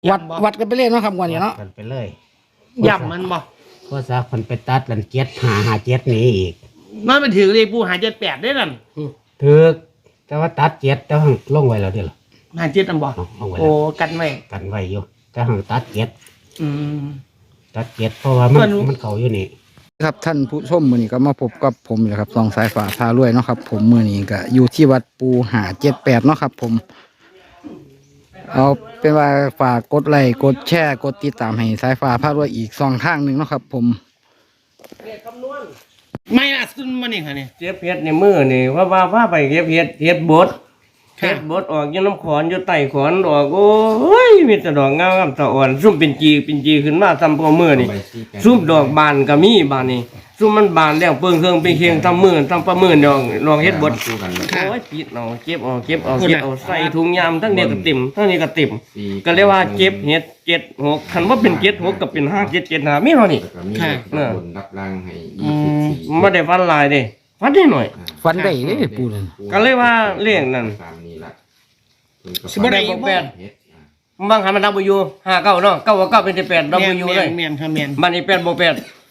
วัดกันไปเลยเนาะครับวันนี้เนาะกันไปเลยย่ำมันบ่เพราะซะคนไปตัดลันเจ็ดหาเจ็ดนี้อีกมันไปถือเลยปูหา78ได้นั่นถือแต่ว่าตัดเจ็ดแต่ว่าลงไว้แล้วเดี๋ยวหา7อันบ่ลงไว้โอ้แล้วกันไว้กันไว้อยู่แต่หังตัดเจ็ดอืมตัดเจ็ดเพราะว่ามันเขาอยู่นี่ครับท่านผู้ชมมื้อนี้ก็มาพบกับผมนี่แหละครับสองสายฟ้าพารวยเนาะครับผมมื้อนี้ก็อยู่ที่วัดปูหา78เนาะครับผมเอาเป็นว่าฝากกดไลค์กดแชร์กดติดตามให้สายฟ้าพารวยอีก2ทางหนึงเนาะครับผมไม่ล่ะสุดมันนี่ค่ะนี่เจ็บเฮ็ดในมือนี่ว่าไปเก็บเฮ็ดบดค่ะเฮ็ดบดออกอยู่น้ำขอนอยู่ใต้ขอนออกโอ้ยมีแต่ดอกงามๆตะอ่อนซุ่มเป็นจีขึ้นมาทำพอมือนี่ซุ่มดอกบานก็มีบานนี่ซุ่มมันบานแล้วเปิงเครื่องเป็นเคียงทำมือทำประมือดอกลองเฮ็ดบดโอ้ยปิดเอาเก็บเอาใส่ถุงยามทั้งนี้ก็ติ่มทั้งนี้ก็ติ่มก็เรียกว่าเก็บเฮ็ด76คันว่าเป็น76ก็เป็น5775มีเท่านี้ค่ะบนรับร่างให้บ่ได้ฟันหลายเด้ฟันได้หน่อยฟันได้เด้ปูนั่นก็เลยว่าเลขนั่นตามนี้ล่ะสิบ่ได้บ่แปดบางหันมัน W 59เนาะ9 9เป็น8 W เลยแม่นค่ะแม่นมันนี่8บวก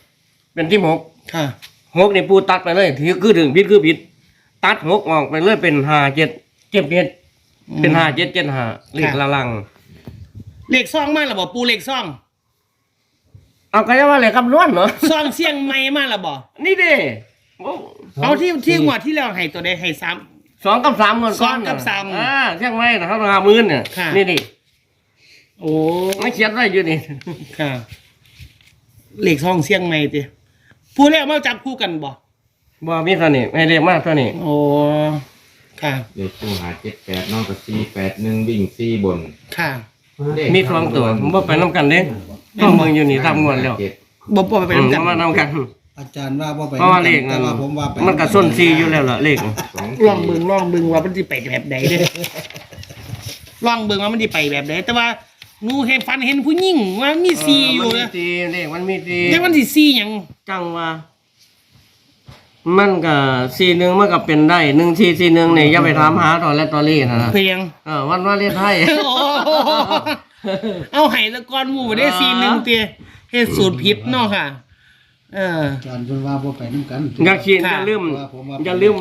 8เป็นที่6 ค่ะ 6นี่ปูตัดไปเลยถือคือถึงผิดคือผิด ตัด6ออกไปเลยเป็น5 7 7เป็น5 7 7 5เลขละลังเลขซ่องมาแล้วบ่ปูเลขซ่องเอาก็จะว่าเลขคำนวณเนาะซ่องเสียงใหม่มาแล้วบ่นี่เด้โอ้เอาที่งวดที่แล้วให้ตัวใดให้3 2กับ3เงินก้อน 2กับ3 เชียงใหม่นะเขาต้อง50,000เนี่ยค่ะนี่ดิโอ้ไม่เขียนไว้อยู่นี่ค่ะเลขซ่องเสียงใหม่ติผู้แล้วมาจับคู่กันบ่บ่มีเท่านี้ให้เลขมากเท่านี้โอ้ค่ะเด็กผู้หา78นอกกับ481วิ่ง4บนค่ะมี2ตัวผมบ่ไปนํกันเด้ต้องเบิ่งอยู่นี่ทำงวดแล้วบ่ไปนำกันมานำกันอาจารย์ว่าบ่ไปเพราะว่าเลขแต่ว่าผมว่าไปมันก็ส้นซีอยู่แล้วล่ะเลขลองเบิ่งว่ามันสิไปแบบใดเด้ ลองเบิ่งว่ามันสิไปแบบใดแต่ว่าหนูเห็นฝันเห็นผู้หญิงว่ามีซีอยู่มันมีนะซีเลขมันมีซีแต่มันสิซีหยังจังว่า มันก็ซีหนึงมันก็เป็นได้1 4 4 1นี่อย่าไปถามหาตอนและตอรี่นะเพียงวันว่าเลขไทยโอ้เอาให้ตะกอนหมู่บ่ได้ซีหนึงเตียเฮ็ดสูตรผิดเนาะค่ะอาจารย์เพิ่นว่าบ่ไปนํกันอย่าคิดค่ะอย่าลืมอย่าลืม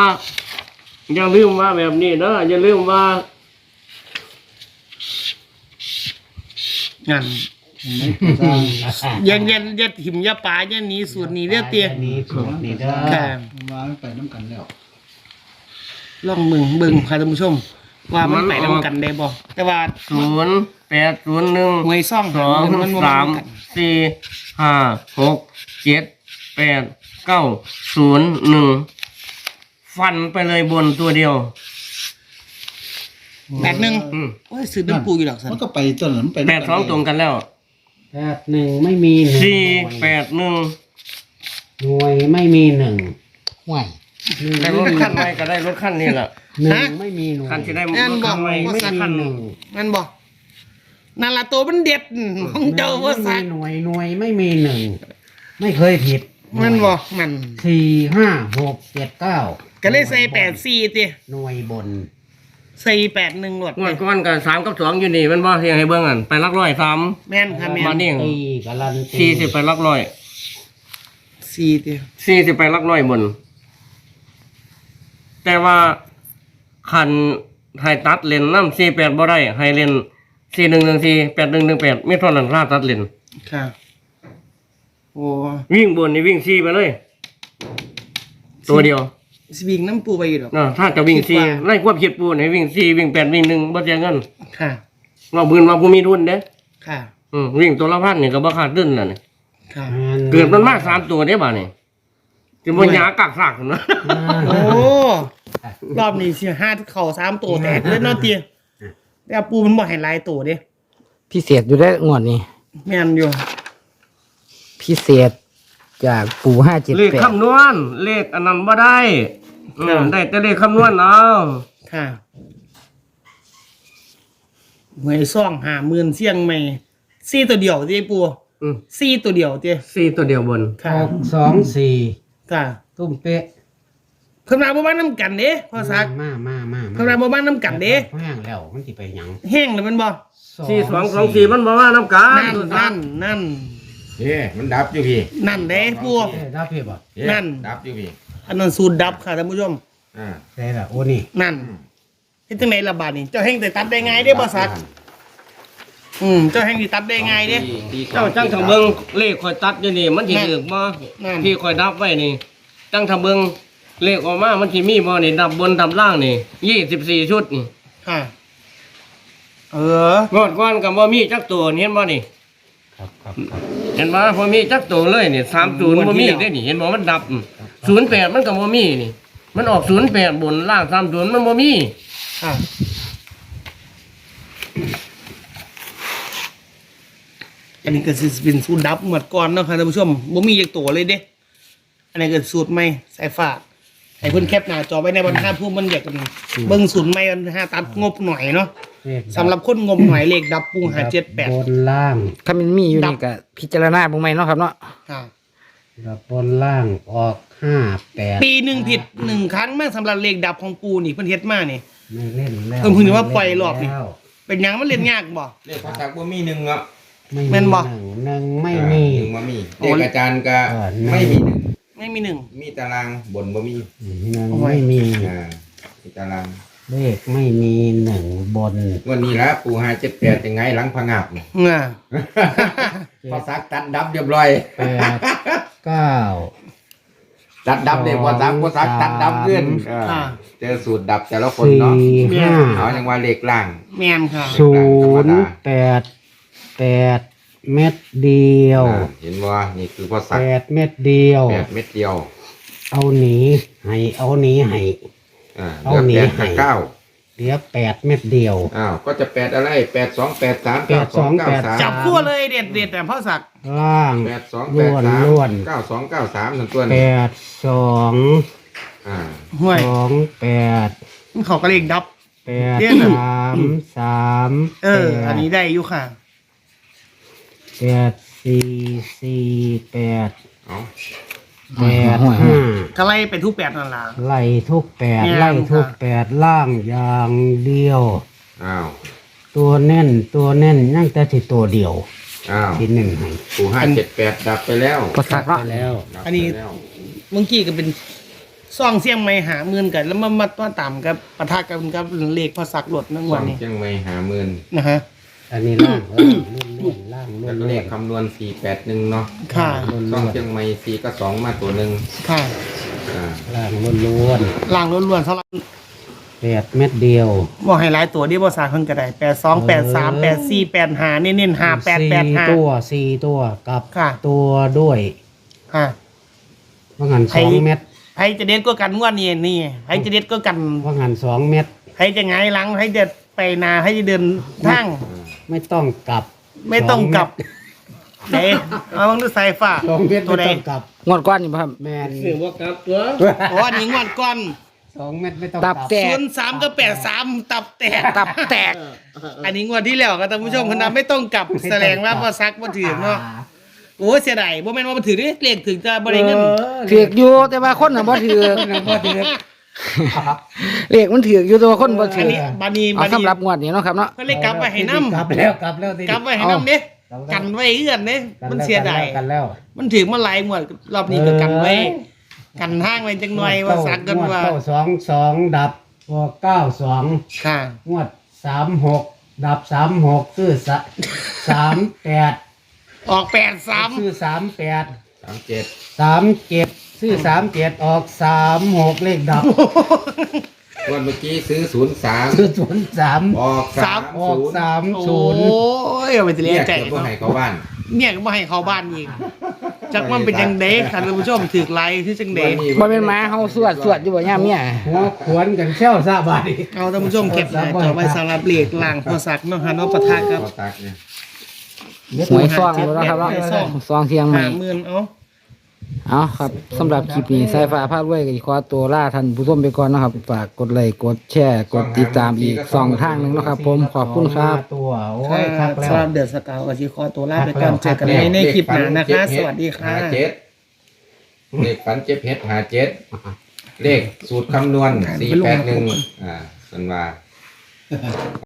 ว่าแบบนี้เด้ออย่าลืมว่างั้นสร้างอย่าถิ่มอย่าปาอย่าหนีสูตรนี้เด้อเตียนี่สูตรนี่เด้อค่ะผมว่ามันไปนํกันแล้วลองเบิ่งค่ะท่านผู้ชม ว่ามันไปนํกันได้บ่แต่ว่า 0 8 0 1 หวยซ่อง 2 มันบ่ 3 กัน 4 5 6 7 8 9 0 1ฟันไปเลยบนตัวเดียว 81 อืมโอ้ยซื้อน้ำปูอยู่ดอกซั่นมันก็ไปต้นนั้นไป 82ตรงกันแล้ว 81ไม่มีหนึ่ง 4 8 1 หน่วยไม่มีหนึ่งห่วยได้รถขั้นใหม่ก็ได้รถขั้นนี่แหละหนึ่งไม่มีหน่วยขั้นที่ได้รแม่นถบ่ขั้นใหม่ว่าไม่สักมีคันหนึ่งนั่นบ่นั่นล่ะตัวมันเด็ดของเจ้าว่าสักหน่วยไม่มีหนึ่งไม่เคยผิดมันบ่มัน 4 5 6 7 9 ก็เลยใส่84ติหน่วยบนใส่81หลดงวดก้อนกับ3 กับ 2อยู่นี่มันบ่เฮียงให้เบิ่งอันไปลักร้อย3 แม่นค่ะแม่มาน นี่ตีการันตี 40ไปลักร้อย 4ติ 40ไปลักร้อยบน แต่ว่าคันให้ตัดเลนนำ48บ่ได้ให้เลน4114 8118มีเท่านั้นราตัดเลนค่ะโอ้วิ่งบนนี่วิ่ง4ไปเลย ตัวเดียวสิวิ่งน้ำปูไปอยู่ดอกถ้าจะวิ่งคิดว่า 4ไล่ควบคิดปูให้วิ่ง4วิ่ง8วิ่ง1บ่เสียเงินค่ะว่าบืนว่าผู้มีทุนเด้ค่ะวิ่งตัวละพันนี่ก็บ่ขาดดุนน่ะนี่ค่ะเกิดมันมาก3ตัวเด้บ่านี่สิบ่หยากักซากพุ่นนะโอ้รอบนี้สิ5เข้า3ตัวแตกเลยเนาะเตี้ยแต่ปูมันบ่ให้หลายตัวเด้พิเศษอยู่ได้งวดนี้แม่นอยู่พิเศษจากปูเลข 578 คำนวณเลขอันนั้นบ่ได้ได้แต่เลขคำนวณเอาค่ะหวยซ่อง50,000เสียงใหม่4ตัวเดียวติปูอืม 4ตัวเดียวติ 4ตัวเดียวบนค่ะ 6 2 4 ค่ะตุ้มเป๊ะเพิ่นมาบ่มานํกันเด้พ่อซักมาเพิ่นมาบ่มานํกันเด้แห้งแล้วมันสิไปหยังแห้งเลยมันบ่ 2 4224มันบ่ว่าน้ำกันนั่นเฮ้มันดับอยู่พี่นั่นเด้ปูได้เพียบอ่ะเฮ้นั่นดับอยู่พี่อันนั้นสูตรดับค่ะท่านผู้ชมอ่าได้ละโอ้นี่นั่นเฮ็ดจังไดล่ะบาดนี้เจ้าแห่งได้ตัดได้ไงเด้บ่ซักเจ้าแห่งสิตัดได้ไงเด้เจ้าจังทำเบิ่งเลขข่อยตัดอยู่นี่มันสิถูกบ่นั่นที่ข่อยนับไว้นี่จังทำเบิ่งเลขออกมามันสิมีบ่นี่ดับบนดับล่างนี่24ชุดนี่ค่ะเอองวดก่อนก็บ่มีจักตัวนี่เห็นบ่นี่ครับเห็นบ่บ่มีจักตัวเลยนี่30บ่มีได้นี่เห็นบ่มันดับ08มันก็บ่มีนี่ มันออก08บนล่าง30มันบ่มีค่ะอันนี้ก็สิเป็นสูตรดับหมดก่อนเนาะค่ะท่านผู้ชมบ่มีจักตัวเลยเด้อันนี้ก็สูตรใหม่สายฟ้าให้เพิ่นแคปหน้าจอไว้ในบรรทัดผู้มันอยากกันเบิ่งสูตรใหม่มันหาตัดงบหน่อยเนาะสำหรับคนงบหน่อยเลขดับปูหาบ 78 นล่างถ้ามันมีอยู่นี่ก็พิจารณาบ่ใหม่เนาะครับเนาะค่ะดับบนล่างออก58 ปีหนึ่งผิด1ครั้งแม่งสำหรับเลขดับของปูนี่เพิ่นเฮ็ดมานี่ไม่เล่นแล้วเพิ่งนึกว่าปล่อยรอบนี่แล้วเป็นหยังมันเล่นยากบ่เลขพอสักบ่มีหนึ่งอ่ะไม่แม่นบ่หนึ่งไม่มีหนึ่งบ่มีเลขอาจารย์ก็ไม่ไม่มีหนึ่งไม่มีหนึ่งมีตารางบนบ่มีหนึ่งไม่มีมีตารางเลขไม่มีหนึ่งบนวันนี้ละปู578ยังไงหลังพะงับนี่เงาพอสักตัดดับเรียบร้อย 8 9 ตัดดับเนี่ยพอสักตัดดับขึ้นค่ะเจอสูตรดับแต่ละคนเนาะ 4 เอาอย่างว่าเลขล่างแม่นค่ะ 5 0 8 เม็ดเดียวเห็นว่านี่คือพอสัก 8 เม็ดเดียว 8 เม็ดเดียวเอาหนีให้เอาหนีให้เหลือ8กับ9 เหลือ8 เม็ดเดียวก็จะ8อะไร8 2 8 3 9 2 9 3 จับคู่เลยเด็ดแต่พ่อศักดิ์ล่าง 8 2 ล้วน 8 ล้วน 3 9 2 9 3ทั้งตัวแปนี่ดสองห่วยแปดมันเขาก็เลขดับแปดเดี๋ยวนะสามอันนี้ได้อยู่ค่ะแปดสี่แปดเอาแปดห้าก็ไล่ไปทุก8นั่นล่ะไล่ทุกแปดแม่นไล่ทุกค่ะแปดล่างอย่างเดียวอ้าวตัวแน่นยังแต่ที่ตัวเดียวอ้าวที่หนึ่งให้ปู578ดับไปแล้วก็สักเนาะไปแล้วดับอันนี้ไปแล้วเมื่อกี้ก็เป็นซ่องเสียงไม้หาเงินกัน แล้วมาต่ำกับปะทะกันกับเลขพ่อศักดิ์หลดนั่งสวัอน งนี้เชียงใหม่50,000 นะฮะอันนี้ล่างล้วนล่างล้แล้ว วน ก็เลขคำนวณ481เนาะค่ะช่องเชียงใหม่4กับ2มาตัวหนึงค่ะล่างล้วนล่างล้วนๆสำหรับแปดเม็ดเดียวบอกให้หลายตัวที่พ่อศักดิ์เพิ่นก็ได้82 83 84 85เน้นๆ5885 สี่ตัวกับค่ะตัวด้วยค่ะว่างันใคร 2 เม็ดใครจะเด็ดก็กันงวดนี้นี่ใครจะเด็ดก็กันว่างัน2 เม็ดใครจะหงายหลังใครจะไปนาใครจะเดินทางไม่ต้องกลับไม่ต้องกลับเด้เอาบังดูสายฟ้า 2 เม็ดตัวไม่ใดต้องกลับงวดก้อนนี่บ่ครับแมนคือบ่กลับตัวโอ้อันนี้งวดก่อน 2 เม็ดไม่ต้องตักบลับแตก 03กับ83ตับแตกตับแตกอันนี้งวดที่แล้วครับท่านผู้ชมคนนั้นไม่ต้องกลับแสดงว่าพอซักบ่ถือเนาะโอ้เสียดายบ่แม่นว่าบ่ถือเด้เลขถึงจะบ่ได้เงินถือกอยู่แต่ว่าคนน่ะบ่ถือบ่ถือเลขมันถือกอยู่แต่ว่าคนบ่ถือันอนี้บัดนี้เอาสำหรับงวดนี้เนาะครับเนาะเพิ่นเลยกลับไว้ให้นำกลับแล้วทีกลับไว้ให้นำเด้กันไว้เอื้อนเด้มันเสียดายกันแล้วมันถือมาหลายงวดรอบนี้ก็กันไว้ กันทางไว้จังหน่อยว่าซักกันว่างด2 ดับตัว92 ค่ะงวด36 ดับ36คือ38 ออก83 ซื้อ38 37 37ซื้อ37ออก36เลขดับวันเมื่อกี้ซื้อซื้อ 03 03ออกออกโอ้ยเอาไปสิ 30 เลีเรียยกใจเก็บบ่เนาะให้เขาบ้านเนี่ยก็บ่ให้เข้าบ้านอีกจักมันเป็นจังได๋ค่ะท่านผู้ชมถือไลค์ที่จังได๋บ่เป็นหมาเฮาสวดอยู่บ่ยามเมียหัวขวนกันเชี่ยวซะบาดนี้เอาท่านผู้ชมเก็บหน้าจอไว้สำหรับเลขล่างพอซักเนาะฮะเนาะปะทะกับพอสักเนี่ยหวยซองอยู่แล้วครับเนาะซองเชียงใหม่ 50,000เอาเอาครับสำหรับคลิปนี้สายฟ้าพาด้วยก็ขอตัวลาท่านผู้ชมไปก่อนนะครับฝากกดไลค์กดแชร์กดติดตามอีก2ทางหนึงนะครับ ผมขอบคุณครับตัวโอ้ค่ะยคักแล้วสำหรับเดือดสกาวกับชีคอตัวลาไปก่อนเจอกันในคลิปหน้านะคะ สวัสดีค่ะ 57เลขฝันเจ็บเฮ็ด57เลขสูตรคำนวณ481สันว่า